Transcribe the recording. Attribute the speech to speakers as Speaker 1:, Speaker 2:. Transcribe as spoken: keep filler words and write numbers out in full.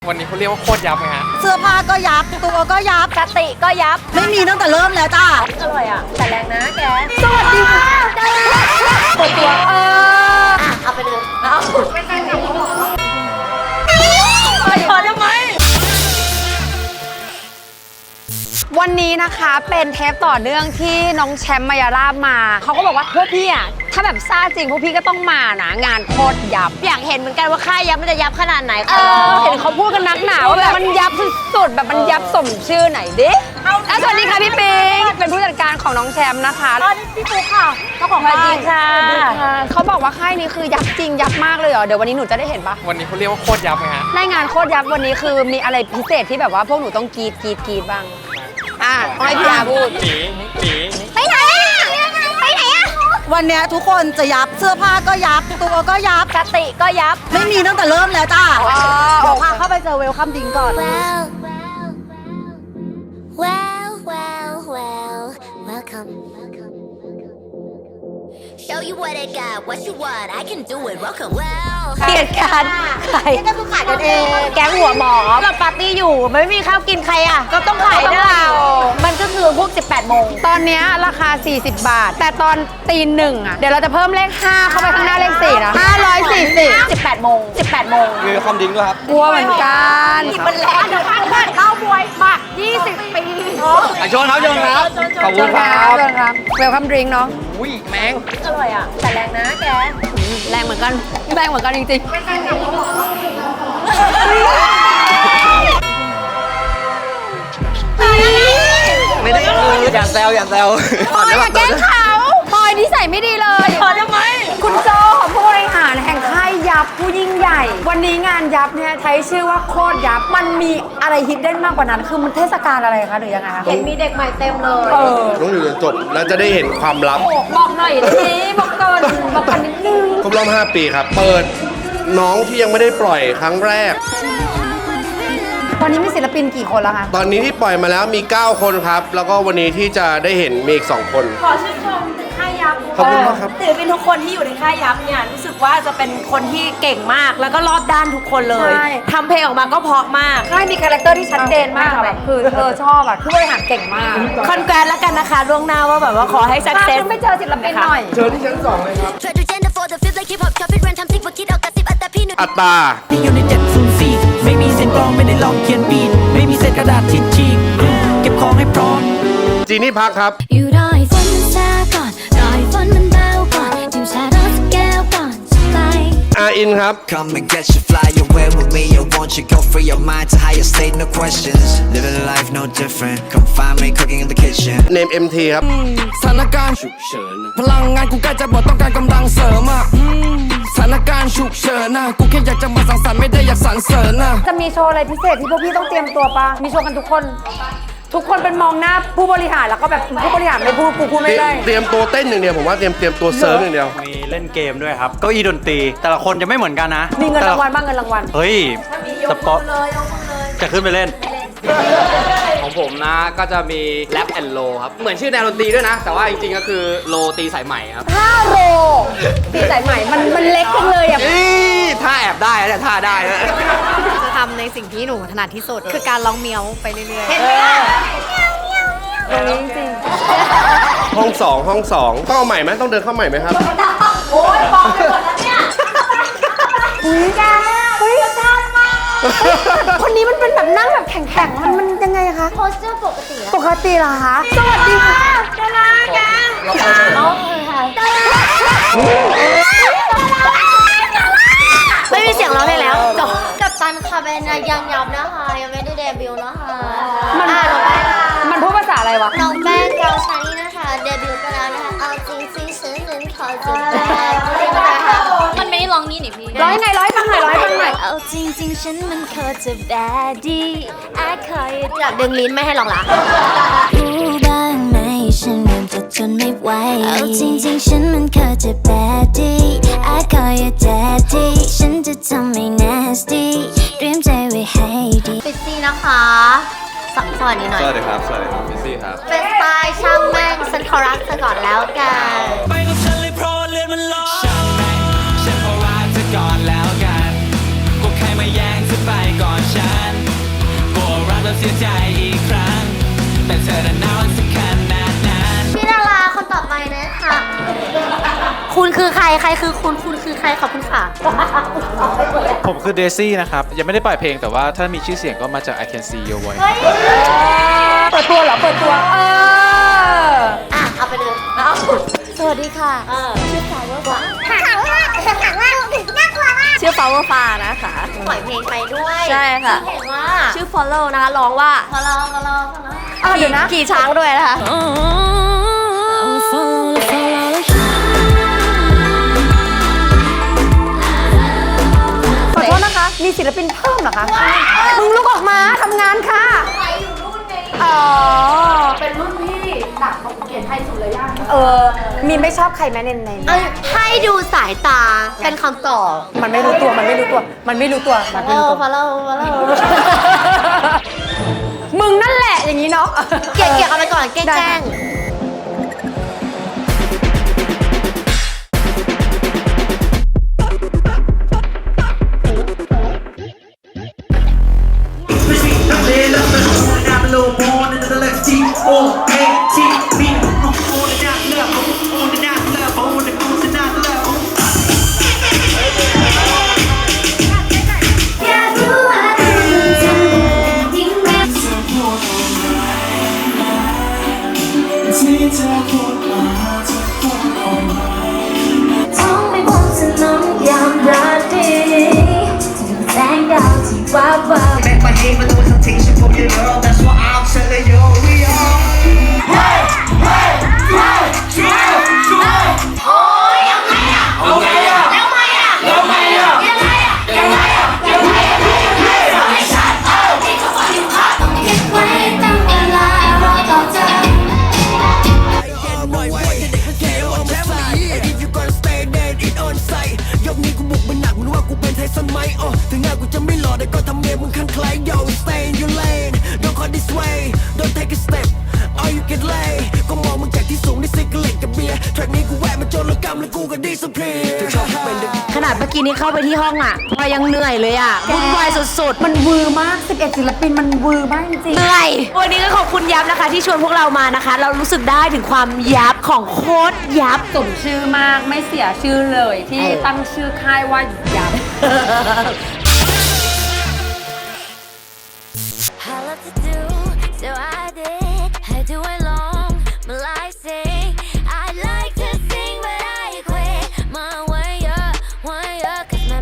Speaker 1: วันนี้เขาเรียกว่าโคตรยับไงฮะ
Speaker 2: เสื้อผ้าก็ยับตัวก็ยับ
Speaker 3: สติก็ยับ
Speaker 2: ไม่มีตั้งแต่เริ่มแล้วจ้า
Speaker 3: อร่อยอ่ะแต่แรงนะแกสวัสดีค่ะเปิดตัวเอออ่ะเอาไปเลยเอาไม่ใช่ค่ะขอทำไมวันนี้นะคะเป็นเทปต่อเนื่องที่น้องแชมป์มายาลาบมาเขาก็บอกว่าพวกพี่อ่ะถ้าแบบซ่าจริงพวกพี่ก็ต้องมานะงานโคตรยับอยากเห็นเหมือนกันว่าค่ายยับมันจะยับขนาดไหนเออเห็นเขาพูดกันนักหนาว่าแบบมันยับสุดๆแบบมันยับสมชื่อไหนดิแล้วสวัสดีค่ะพี่ปิงเป็นผู้จัดการของน้องแชมป์นะคะสวัสดีพี่ปุ๊กค่ะเจ้าของค่ายค่ะเขาบอกว่าค่ายนี้คือยับจริงยับมากเลยเหรอเดี๋ยววันนี้หนูจะได้เห็นปะ
Speaker 1: วันนี้เขาเรียกว่าโคตรยับไงฮะ
Speaker 3: ในงานโคตรยับวันนี้คือมีอะไรพิเศษที่แบบว่าพวกหนูต้องกรีดกรีดกรีดบ้างอ่ะให้พี่อาพูด
Speaker 1: หนีหนี
Speaker 3: ไปไหนอ่ะไปไหนอ่ะ
Speaker 2: วันนี้ทุกคนจะยับเสื้อผ้าก็ยับตัวก็ยับ
Speaker 3: สติก็ยับ
Speaker 2: ไม่มีตั้งแต่เริ่มแล้วจ้าเดี๋ยวพาเข้าไปเจอเวลคัมดิงก่อน
Speaker 4: Well well well well welcome Show you what I got what you want I can do it welcome well
Speaker 3: เกียรติการขายก็คือขายกันเองแก๊งหัวหมอเราปาร์ตี้อยู่ไม่มีข้าวกินใครอ่ะก็ต้องขายได้เรามันก็คือพวกสิบแปดโมงตอนนี้ราคาสี่สิบบาทแต่ตอนตีหนึ่งอ่ะเดี๋ยวเราจะเพิ่มเลขห้าเข้าไปข้างหน้าเลขสี่นะห้าร้อยสี่สิบ สิบแปดโมงสิบแปดโมง
Speaker 1: มีคอมดิ้งด้วยครับ
Speaker 3: กลัวเหมือนกันมันแรงเดี๋ยวพันพันเล่าบวยมากยี่สิบปี
Speaker 1: อ่ะชนครับชนครับขอบคุณครับ
Speaker 3: ชนครับเวลคัมดริงก์เนาะ
Speaker 1: อุ้ยแมง
Speaker 3: อร่อยอ่ะแต่แรงนะแกแรงเหมือนกันแรงเหมือนกันจริงๆ
Speaker 1: ไม่ได้คืออย่าแซวอย่าแซว
Speaker 3: พอยอย่าแกล้งเขาพอยนิสัยไม่ดีเลยพอทำไมคุณโจผู้บริหารแห่งค่ายยับผู้ยิ่งใหญ่วันนี้งานยับเนี่ยใช้ชื่อว่าโคตรยับมันมีอะไรฮิดเด้นมากกว่านั้นคือมันเทศกาลอะไรคะหรือยังไงคะเห็นมีเด็กใหม่เต็มเลยเออ
Speaker 5: ต้องอยู่จนจบแล้วจะได้เห็นความลับ
Speaker 3: บอกหน่อยสิบอกก่อนบอกกันนิดนึง
Speaker 5: ครบรอบห้าปีครับเปิดน้องที่ยังไม่ได้ปล่อยครั้งแรก
Speaker 3: วันนี้มีศิลปินกี่คนแล้วคะ
Speaker 5: ตอนนี้ที่ปล่อยมาแล้วมีเก้าคนครับแล้วก็วันนี้ที่จะได้เห็นมีอีกสองคน
Speaker 6: ขอชื่นชมถึงค่ายยับ
Speaker 5: ขอบคุณมากครับ
Speaker 6: ศิลปินทุกคนที่อยู่ในค่ายยับเนี่ยรู้สึกว่าจะเป็นคนที่เก่งมากแล้วก็รอบด้านทุกคนเลยทำเพลงออกมาก็เพราะมาก
Speaker 3: ค่ายมีคาแรคเตอร์ที่ชัดเจนมากแบบคือเธอชอบอ่ะผู้บริหารเก่งมาก
Speaker 6: คอนแกรนแล้วกันนะคะล่วงหน้าว่าแบบว่าขอให้สักเซส
Speaker 3: ไม่เจอศิลปินหน่อย
Speaker 5: เชิญที่ชั้นสองเลยครับอัตตา
Speaker 7: อยู่ในเจ็ดศูนย์สี่ไม่มีเส้นกลองไม่ได้ลองเขียนบีทไม่มีเศษกระดาษทิชชีกเก็บของให้พร้อม
Speaker 5: จีนี่พักครับ
Speaker 4: อยู่รอให้ฝนมันซาก่อนรอให้ฝนมันเบาก่อนดื่มชาร้อนสักแก้วก่อนไป
Speaker 5: อาอินครับ
Speaker 7: Come and get you fly away with me I want you go free your mind to higher state no questions living life no different come find me cooking in the kitchen
Speaker 5: เนม เอ็ม ที ครับ
Speaker 7: สถานการณ์ฉุกเฉินพลังงานกูใกล้จะหมดต้องการกำลังเสริมอ่ะสถานการณ์ฉุกเฉินนะกูแค่อยากจะมาสังสรรค์ไม่ได้อยากสรรเสริญนะ
Speaker 3: จะมีโชว์อะไรพิเศษที่พวกพี่ต้องเตรียมตัวปะมีโชว์กันทุกคนทุกคนเป็นมองหน้าผู้บริหารแล้วก็แบบผู้บริหารไม่พูดกูพูดไม่ได้
Speaker 5: เตรียมตัวเต้นอย่างเดียวผมว่าเตรียมเตรียมตัวเซิร์ฟอย่างเดียว
Speaker 1: มีเล่นเกมด้วยครับเก้าอี้ดนตรีแต่ละคนจะไม่เหมือนกันนะ
Speaker 3: มีเงินรางวัลบ้างเงินรางวัล
Speaker 1: เฮ้ยสปอร์ตจะขึ้นไปเล่นของผมนะก็จะมีแรปแอนด์โลครับเหมือนชื่อแนวดนตรีด้วยนะแต่ว่าจริงๆก็คือโลตีสายใหม่ครับ
Speaker 3: ท่าโลตีสายใหม่มันมันเล็กจังเลยอ่ะ
Speaker 1: ท่าแอบได้แล้วท่าได้แล้ว
Speaker 8: จะทำในสิ่งที่หนูถนัดที่สุดคือการร้องเมียวไปเรื่อยๆเห็นไหม
Speaker 3: ตรงนี้จริง
Speaker 5: ห้องสองห้องสองต้องเอาใหม่ไหมต้องเดินเข้าใหม่ไหมครับ
Speaker 3: โอ้ยบอกไปหมดแล้วเนี่ยอุ้ยแกอุ้ยชาติมากคนนี้มันเป็นแบบนั่งแบบแข็งๆมันมันยังไงคะ
Speaker 4: โพสเจอร์ปกติ
Speaker 3: ปกติเหรอคะสวัสดีค่ะดาราแก
Speaker 4: น้องคือค่ะไม่มีเสียงร้องได้แล้วจบกับตันค่ะเป็นยังยับนะคะยังไม่ได้เดบิวต์นะคะ
Speaker 3: มันมันพูดภาษาอะไรวะ
Speaker 4: น้องแป้งเกาชานี่นะคะเดบิวต์ไปแล้วนะคะเอาจริงสิฉันนั้นขอจะแป้ง
Speaker 8: มันไม่ได้ร้องนี่นี่พี่
Speaker 3: ร้อยไงร้อยฟังหน่อยร้อยฟังหน่อย
Speaker 4: เอาจริงจริงฉันมันขอจะแบดดี้ไอ้คอยอยากดึงลิ้นไม่ให้ร้องละรู้บ้างไหมฉันเริ่มจะทนไม่ไหวเอาจริงจริงฉันมันขอจะแบดดี้ไอ้คอยแดดดี้ฉันจะทำให้ nasty เตรียมใจไว้ให้ดีฟิซซี่นะคะสวัสดีหน่อย
Speaker 1: สวัสดีครับสวัสดีครับฟิซซี่ครับ
Speaker 4: เป็นสไตล์ช่างแม่งฉันขอรักเธอก่อนแล้วกัน
Speaker 7: ไปกับฉันเลยเพราะเลือดมันร้อนช่างแม่งฉันขอรักเธอก่อนแล้วกันพวกใครมาแย่งเธอไปก่อนฉันเสียใจอีกครั้งแต่เธอนั้นน่ารักสักขนาดนั้น
Speaker 4: พี่ดาราคนต่อไปนะคะคุณคือใครใครคือคุณคุณคือใครขอบคุณค่ะ
Speaker 9: ผมคือเดซี่นะครับ ยังไม่ได้ปล่อยเพลงแต่ว่าถ้ามีชื่อเสียงก็มาจาก I Can See Your Voice
Speaker 3: เปิดตัวเหรอ เปิดตัว เออ
Speaker 4: อ่ะ เอาไปเลยสวัสดีค่ะชื่อฟาวเวอร์ฟ้าถามว่าถามว่าน่ากลัวมาก
Speaker 6: ชื่อ Power f a นะคะ
Speaker 4: ปล่อยเพลงไปด้วย
Speaker 6: ใช่ค่ะ
Speaker 4: ชื่อเพลงว่า
Speaker 6: ชื่อ Follow นะคะร้องว่า
Speaker 4: พอลองพอลองพอลอง
Speaker 3: เออเดี๋ยวนะ
Speaker 6: ขี่ช้างด้วยนะคะ
Speaker 3: ขอโทษนะคะ มีศิลปินเพิ่มเหรอคะ มึงลุกออกมาทำงานค่ะ
Speaker 4: ใครอยู่รุ่นนี้
Speaker 3: อ๋อ
Speaker 4: เป็นรุ่นพี่หนักเขียนไทยสุดเลยย่า
Speaker 3: เออ มีไม่ชอบใครไหมในใน
Speaker 4: เอ้ยให้ดูสายตาเป็นคำตอบ
Speaker 3: มันไม่รู้ตัว มันไม่รู้ตัว มันไม่รู้ตัว มันไม่รู้ตัว
Speaker 4: พอเราพอเรา
Speaker 3: มึงนั่นแหละอย่างนี้เนาะ
Speaker 4: เกี่ยเกี่ยกันไปก่อนแกล้ง อยากรู้ว่าเธอจะยิ่งรักเธอพูดที่เธอพูดมาเธอพูดออกมาท้องไม่พ้นถนนยามราตรีถึงแสงดาวที่ว้าวว้าว
Speaker 10: Make my name a little temptation for your girl. That's what I'm telling you. We are. Hey, hey, hey, hey, hey.
Speaker 4: โอ้ยยังไงอะ
Speaker 10: เอาไงอะ
Speaker 4: แล้วไงอะ
Speaker 10: แล้วไงอะ
Speaker 4: ยังไงอะยังไงอะยังไงอะฟังให้ชัดเออที่เขาฟังอยู่ค่ะต้องเก็บไว้ตั้งเวลารอต่อจาก
Speaker 7: ยกนี้กูบุกมันหนักมึงว่ากูเป็นไทสันไหมอ๋อถึงงานกูจะไม่หล่อแต่ก็ทำเมียมึงข้างใคร Yo stay in your lane don't go this way don't take a step all you get lay ก็มองมึงจากที่สูงได้ซิกเล็กกับเบียร์แทร็กนี้กูแวะมาจนละกำแล้วกูก็ดีสะเพรียชอบเป็นเด็ก
Speaker 6: ขนาดเมื่อกี้นี้เข้าไปที่ห้องอ่ะพลอยยังเหนื่อยเลยอ่ะวุ่นวายสุดๆ
Speaker 3: มันวือมาก สิบเอ็ด ศิลปินมันวือมากจริง
Speaker 6: เหนื่อย วันนี้ก็ขอบคุณยับนะคะ ที่ชวนพวกเรามานะคะ เรารู้สึกได้ถึงความยับของโคตรยับ
Speaker 3: สมชื่อมาก ไม่เสียชื่อเลยที่ตั้งชื่อค่ายว่ายับ
Speaker 4: I love to do, so I did.